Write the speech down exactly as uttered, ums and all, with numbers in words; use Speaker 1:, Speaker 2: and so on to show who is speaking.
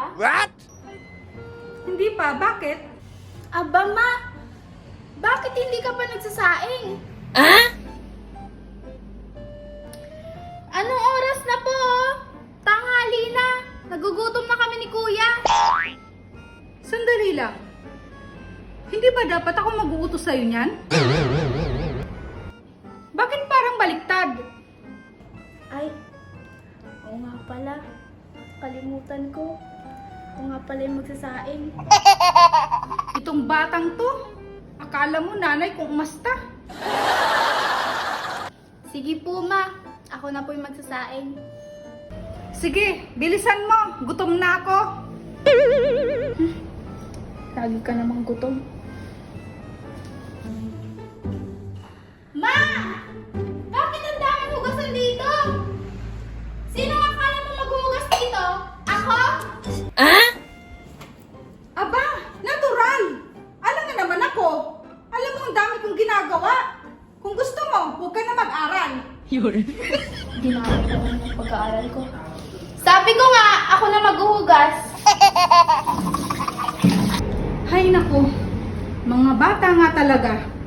Speaker 1: pa?
Speaker 2: What?
Speaker 3: Hindi pa, bakit?
Speaker 1: Aba ma, bakit hindi ka pa nagsasaing?
Speaker 2: Ah?
Speaker 1: Anong oras na po? Tanghali na. Nagugutom na kami ni kuya.
Speaker 3: Sandali lang. Hindi ba dapat ako mag-uutos sa'yo niyan? Bakit parang baliktad?
Speaker 1: Ay, oo nga pala. Kalimutan ko. Ako nga pala yung magsasaing.
Speaker 3: Itong batang to, akala mo nanay kung umasta.
Speaker 1: Sige po ma, ako na po yung magsasaing.
Speaker 3: Sige, bilisan mo. Gutom na ako.
Speaker 1: Lagi ka namang gutom. Ma! Bakit ang daming hugasan dito? Sino ang akala mo maghuhugas dito? Ako?
Speaker 3: Aba, natural. Alam nga naman ako. Alam mo ang dami kong ginagawa. Kung gusto mo, huwag ka na mag-aral.
Speaker 1: Ginagawa ko ng pag-aaral ko. Sabi ko nga, ako na maghuhugas.
Speaker 3: Hay naku, mga bata nga talaga.